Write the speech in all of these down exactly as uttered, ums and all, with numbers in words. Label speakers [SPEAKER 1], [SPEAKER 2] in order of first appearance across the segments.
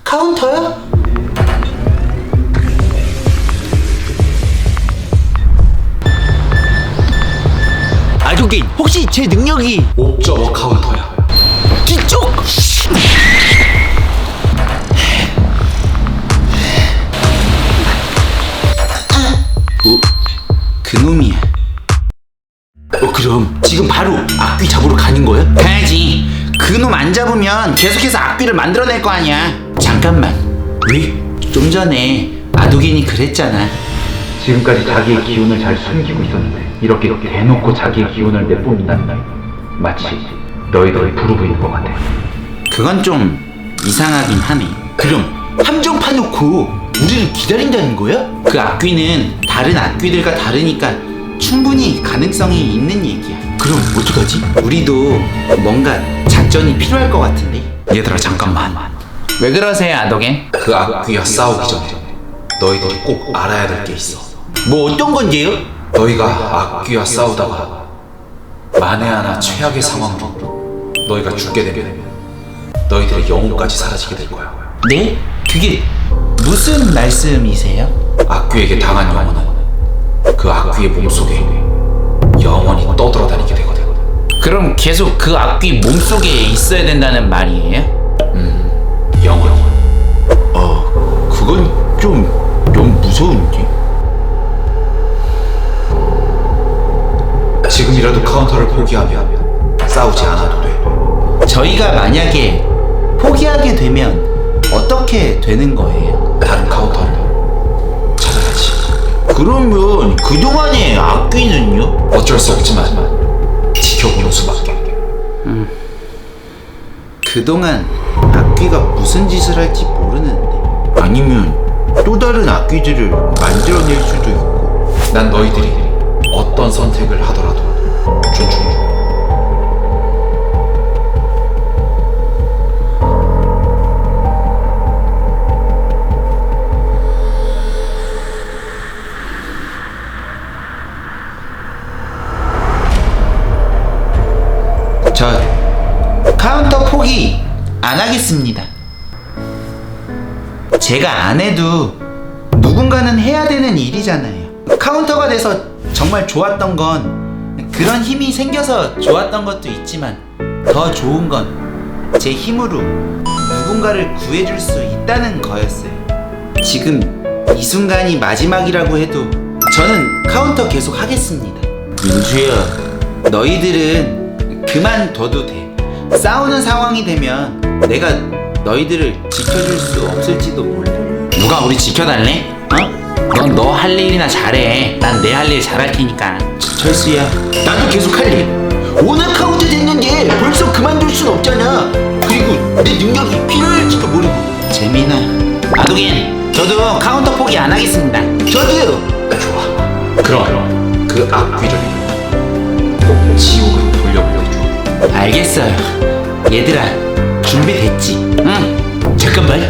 [SPEAKER 1] 카운터야? 아도겐, 혹시 제 능력이
[SPEAKER 2] 옵저버 카운터야.
[SPEAKER 1] 뒤쪽? 어? 그놈이야. 어, 그럼 지금 바로 악귀 잡으러 가는 거야? 가야지. 그놈 안 잡으면 계속해서 악귀를 만들어낼 거 아니야. 잠깐만. 왜? 좀 전에 아도겐이 그랬잖아.
[SPEAKER 3] 지금까지 자기의 기운을 잘 숨기고 있었는데 이렇게 대놓고 자기의 기운을 내뿜는다는 날 마치 너희들이 부르고 있는 것 같아.
[SPEAKER 1] 그건 좀 이상하긴 하네. 그럼 함정 파놓고 우리를 기다린다는 거야? 그 악귀는 다른 악귀들과 다르니까 충분히 가능성이 있는 얘기야. 그럼 어떡하지? 우리도 뭔가 작전이 필요할 것 같은데.
[SPEAKER 2] 얘들아 잠깐만.
[SPEAKER 1] 왜 그러세요, 아도겐?
[SPEAKER 2] 그 악귀와 싸우기 전에 너희들이 꼭 알아야 될 게 있어.
[SPEAKER 1] 뭐 어떤 건데요?
[SPEAKER 2] 너희가 악귀와 싸우다가 만에 하나 최악의 상황으로 너희가 죽게 되면 너희들의 영혼까지 사라지게 될 거야.
[SPEAKER 1] 네? 그게 무슨 말씀이세요?
[SPEAKER 2] 악귀에게 당한 영혼은 그 악귀의 몸속에 영원히 떠돌아다니게 되거든.
[SPEAKER 1] 그럼 계속 그 악귀 몸속에 있어야 된다는 말이에요?
[SPEAKER 2] 음, 영원.
[SPEAKER 1] 어, 그건 좀 너무 무서운데?
[SPEAKER 2] 지금이라도 카운터를 포기하면 싸우지 않아도 돼.
[SPEAKER 1] 저희가 만약에 포기하게 되면 어떻게 되는 거예요?
[SPEAKER 2] 다른 카운터를 찾아야지.
[SPEAKER 1] 그러면 그동안의 악귀는요?
[SPEAKER 2] 어쩔 수 없지만 지켜보는 수밖에.
[SPEAKER 1] 그동안 악귀가 무슨 짓을 할지 모르는데, 아니면 또 다른 악귀들을 만들어낼 수도 있고.
[SPEAKER 2] 난 너희들이 어떤 선택을 하더라도 존중해.
[SPEAKER 1] 저 카운터 포기 안 하겠습니다. 제가 안 해도 누군가는 해야 되는 일이잖아요. 카운터가 돼서 정말 좋았던 건 그런 힘이 생겨서 좋았던 것도 있지만, 더 좋은 건 제 힘으로 누군가를 구해줄 수 있다는 거였어요. 지금 이 순간이 마지막이라고 해도 저는 카운터 계속 하겠습니다. 민주야, 너희들은 그만둬도 돼. 싸우는 상황이 되면 내가 너희들을 지켜줄 수 없을지도 몰라. 누가 우리 지켜달래? 어? 넌 너 할 일이나 잘해. 난 내 할 일 잘할 테니까. 철수야, 나도 계속 할 일. 오늘 카운트 됐는데 벌써 그만둘 순 없잖아. 그리고 내 능력이 필요할지도 모르고. 재민아, 아도겐, 저도 카운터 포기 안 하겠습니다. 저도요.
[SPEAKER 2] 좋아. 그럼 그 악귀를 꼭 지옥으로 돌려보내줘.
[SPEAKER 1] 알겠어요. 얘들아, 준비됐지? 응. 잠깐만.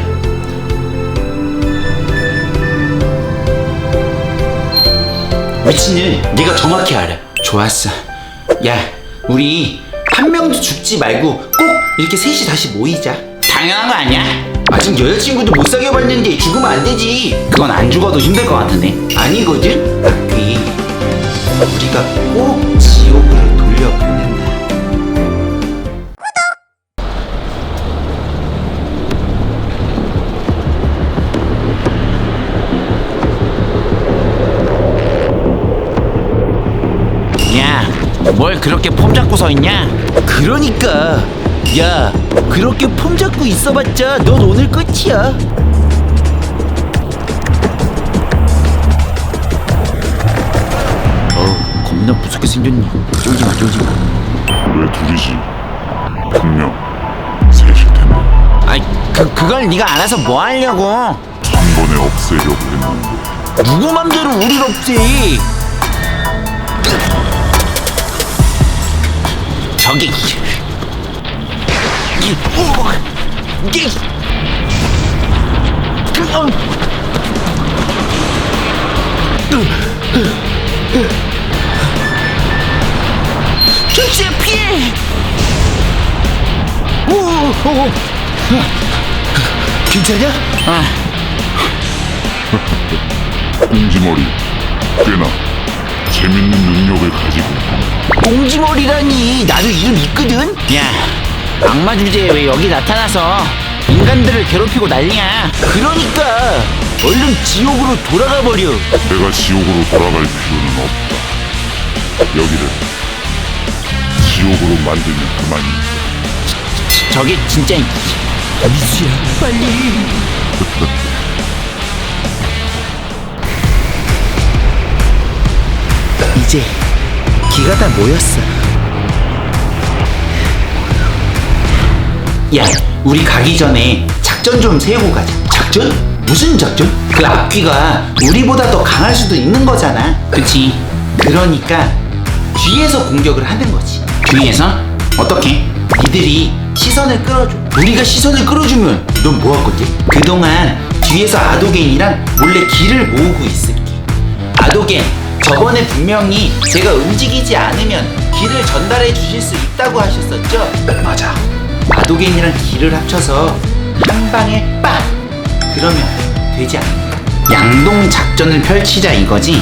[SPEAKER 1] 위치는 네가 정확히 알아. 좋았어. 야, 우리 한 명도 죽지 말고 꼭 이렇게 셋이 다시 모이자. 당연한 거 아니야? 아직 여자친구도 못 사귀어봤는데 죽으면 안 되지. 그건 안 죽어도 힘들 것 같은데. 아니거든? 악귀, 우리가 꼭 지옥으로 돌려보낸다. 뭘 그렇게 폼 잡고 서 있냐? 그러니까 야, 그렇게 폼 잡고 있어봤자 넌 오늘 끝이야. 어우, 겁나 무섭게 생겼네. 쫄지마 쫄지마.
[SPEAKER 4] 왜 둘이지? 분명 셋일 텐데.
[SPEAKER 1] 아이, 그, 그걸 네가 알아서 뭐 하려고.
[SPEAKER 4] 한 번에 없애려고 했는데.
[SPEAKER 1] 누구 맘대로 우릴 없지. 저기 이, 오, 이, 그, 어. 철수야, 피해. 오, 오, 오. 괜찮냐? 아,
[SPEAKER 4] 꽁지머리 꽤나 재밌는 능력을 가지고 있다.
[SPEAKER 1] 꽁지머리라니. 나도 이름 있거든. 야, 악마 주제에 왜 여기 나타나서 인간들을 괴롭히고 난리야. 그러니까 얼른 지옥으로 돌아가 버려.
[SPEAKER 4] 내가 지옥으로 돌아갈 필요는 없다. 여기를 지옥으로 만들면 그만이.
[SPEAKER 1] 저게 진짜 미수야. 빨리. 이제 기가 다 모였어. 야, 우리 가기 전에 작전 좀 세우고 가자. 작전? 무슨 작전? 그 앞귀가 우리보다 더 강할 수도 있는 거잖아. 그치? 그러니까 뒤에서 공격을 하는 거지. 뒤에서? 어떻게? 니들이 시선을 끌어줘. 우리가 시선을 끌어주면 넌 뭐 할 건데? 그동안 뒤에서 아도겐이랑 몰래 길을 모으고 있을게. 아도겐, 저번에 분명히 제가 움직이지 않으면 길을 전달해 주실 수 있다고 하셨었죠?
[SPEAKER 2] 맞아.
[SPEAKER 1] 아도겐이랑 길을 합쳐서 한 방에 빵! 그러면 되지 않을까? 양동 작전을 펼치자 이거지?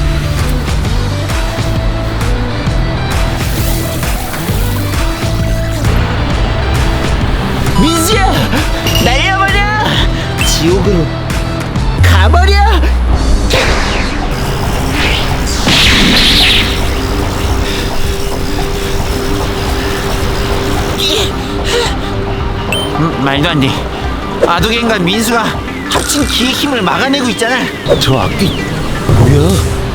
[SPEAKER 1] 민수야! 날려버려! 지옥으로 가버려! 음, 말도 안 돼. 아도겐과 민수가 합친 기의 힘을 막아내고 있잖아. 저 악귀 뭐야?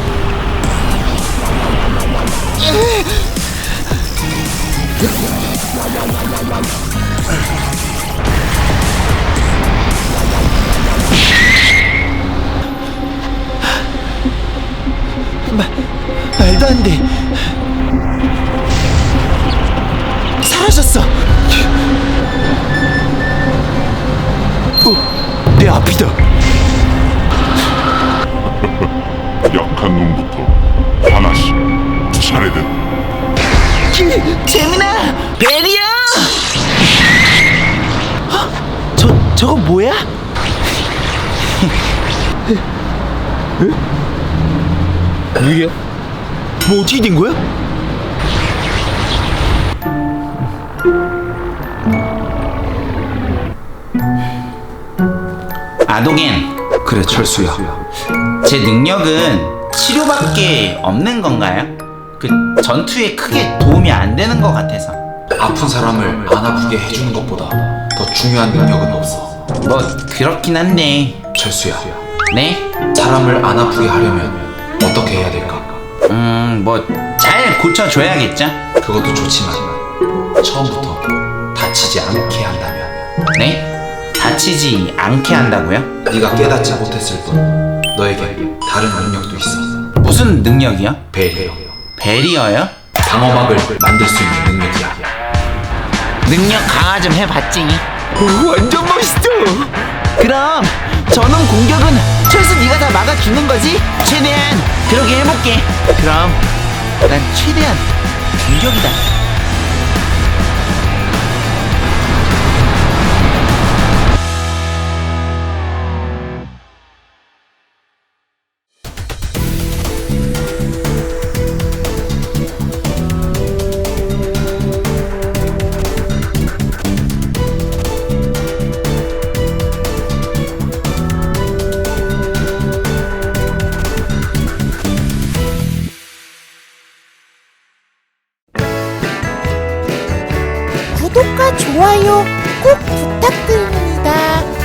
[SPEAKER 1] 마, 말도 안 돼. 사라졌어. 어, 내 앞이다.
[SPEAKER 4] 약한 놈부터 하나씩 차례대로.
[SPEAKER 1] 재민아! 베리야! 어? 저, 저거 뭐야? 뭐야? 뭐 어떻게 된 거야? 아도겐,
[SPEAKER 2] 그래 철수야.
[SPEAKER 1] 제 능력은 치료밖에 없는 건가요? 그 전투에 크게 도움이 안 되는 것 같아서.
[SPEAKER 2] 아픈 사람을 안 아프게 해주는 것보다 더 중요한 능력은 없어.
[SPEAKER 1] 뭐 그렇긴 한데.
[SPEAKER 2] 철수야.
[SPEAKER 1] 네?
[SPEAKER 2] 사람을 안 아프게 하려면 어떻게 해야 될까?
[SPEAKER 1] 음, 뭐 잘 고쳐줘야겠죠?
[SPEAKER 2] 그것도 좋지만 처음부터 다치지 않게 한다면.
[SPEAKER 1] 네? 다치지 않게 한다고요?
[SPEAKER 2] 네가 깨닫지 못했을 뿐 너에게 다른 능력도 있어.
[SPEAKER 1] 무슨 능력이요?
[SPEAKER 2] 베리어.
[SPEAKER 1] 베리어요?
[SPEAKER 2] 방어막을 만들 수 있는 능력이야.
[SPEAKER 1] 능력 강화 좀 해봤지. 오, 완전 멋있어. 그럼 저놈 공격은 철수 네가 다 막아주는 거지? 최대한 그러게 해볼게. 그럼 난 최대한 공격이다.
[SPEAKER 5] 구독과 좋아요 꼭 부탁드립니다.